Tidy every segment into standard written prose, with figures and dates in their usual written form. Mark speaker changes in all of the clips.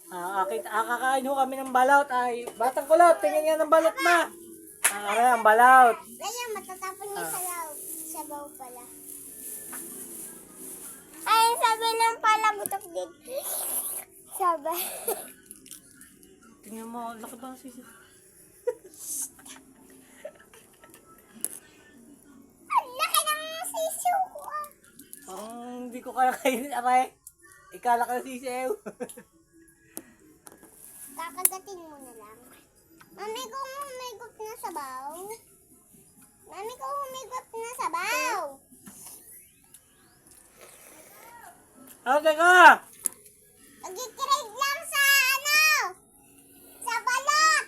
Speaker 1: Kakain ho kami ng balot. Ay, batang kulot, tingin nga ng balot na. Ang balot.
Speaker 2: Ganyan, matatapon niya sa loob. Sabaw pala. Ay, sabi lang pala, butok din. Sabi.
Speaker 1: Tingnan mo, laki ba ang sisi?
Speaker 2: Ang laki ng sisiw ko ah.
Speaker 1: Parang hindi ko kaya kainin, aray. Ikala ka ng sisiw.
Speaker 2: Kakagatin mo na lang. Mami ko humigot na sabaw. Mami ko humigot na sabaw.
Speaker 1: Okay ka!
Speaker 2: Nag-trade lang sa sa balot.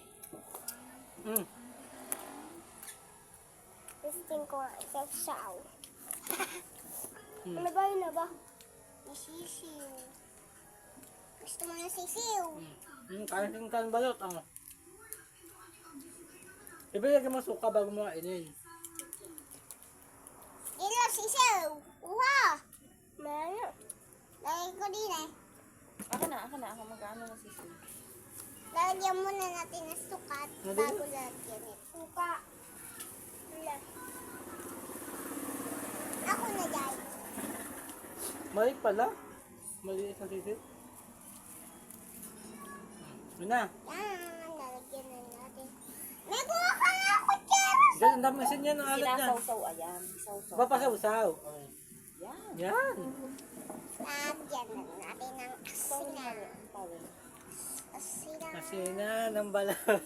Speaker 2: Testing ko sa saw. Ano ba yun na ba? Sisiw. Gusto mo na sisiw?
Speaker 1: Kain ka ng balot. Ibigay mo suka bago mo kainin.
Speaker 2: Ilo, sisiw. Uha. Meron. Lagay ko din eh.
Speaker 3: Ako na. Ako mag-ano na sisi.
Speaker 2: Lalagyan muna natin ng sukat bago lagyan eh. Suka. Ako na dyan.
Speaker 1: Mali pala. Mali isang sisi. Yun na.
Speaker 2: Yan, lalagyan na natin. May kuha ka nga kutsara.
Speaker 1: Diyan, ang dami kasi niyan. Ang alat niyan.
Speaker 3: Sinasaw-saw, ayan. Isaw-saw.
Speaker 1: Papasaw-saw.
Speaker 3: Yan.
Speaker 1: Yan.
Speaker 2: Lagyan na natin ng asina.
Speaker 3: Power.
Speaker 2: Asina.
Speaker 1: Kasi na ng balot.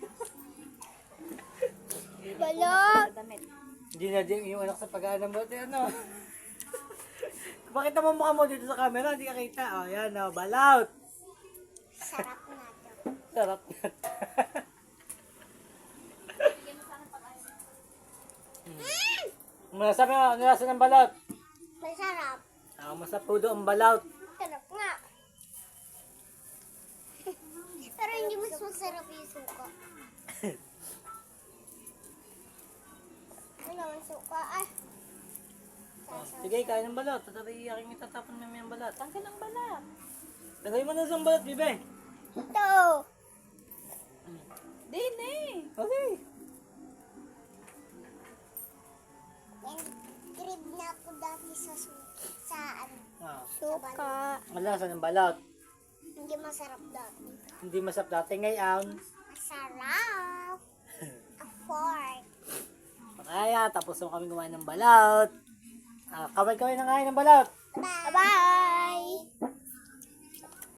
Speaker 2: Balot.
Speaker 3: Damit.
Speaker 1: Hindi na din yung anak sa pag-aan ng balot. Ano? Pakita mo mukha mo dito sa camera. Hindi ka kita. O, yan o. Balot.
Speaker 2: Sarap na to.
Speaker 1: Sarap na. Masasabi mo, nilasa ng balot.
Speaker 2: Masarap.
Speaker 1: Masapudo ang balot.
Speaker 2: Sarap nga. Pero hindi mas masarap yung suka. Ano naman suka? Ah.
Speaker 1: Sige, kain ng balot. Tatari aking itatapon namin ang balot.
Speaker 3: Tanggal ang balat.
Speaker 1: Lagay mo na sa balot, bibe.
Speaker 2: Ito.
Speaker 3: Din eh.
Speaker 1: Okay.
Speaker 2: Yan, grib na ako dati sa ano.
Speaker 1: Ah,
Speaker 2: Suka.
Speaker 1: ang lasa ng balot.
Speaker 2: Hindi masarap dati.
Speaker 1: Hindi masarap dati ngayon.
Speaker 2: Masarap. Afford.
Speaker 1: Kaya, tapos na kami kumain ng balot. Kaway-kaway na kain ng balot.
Speaker 2: Bye. Bye.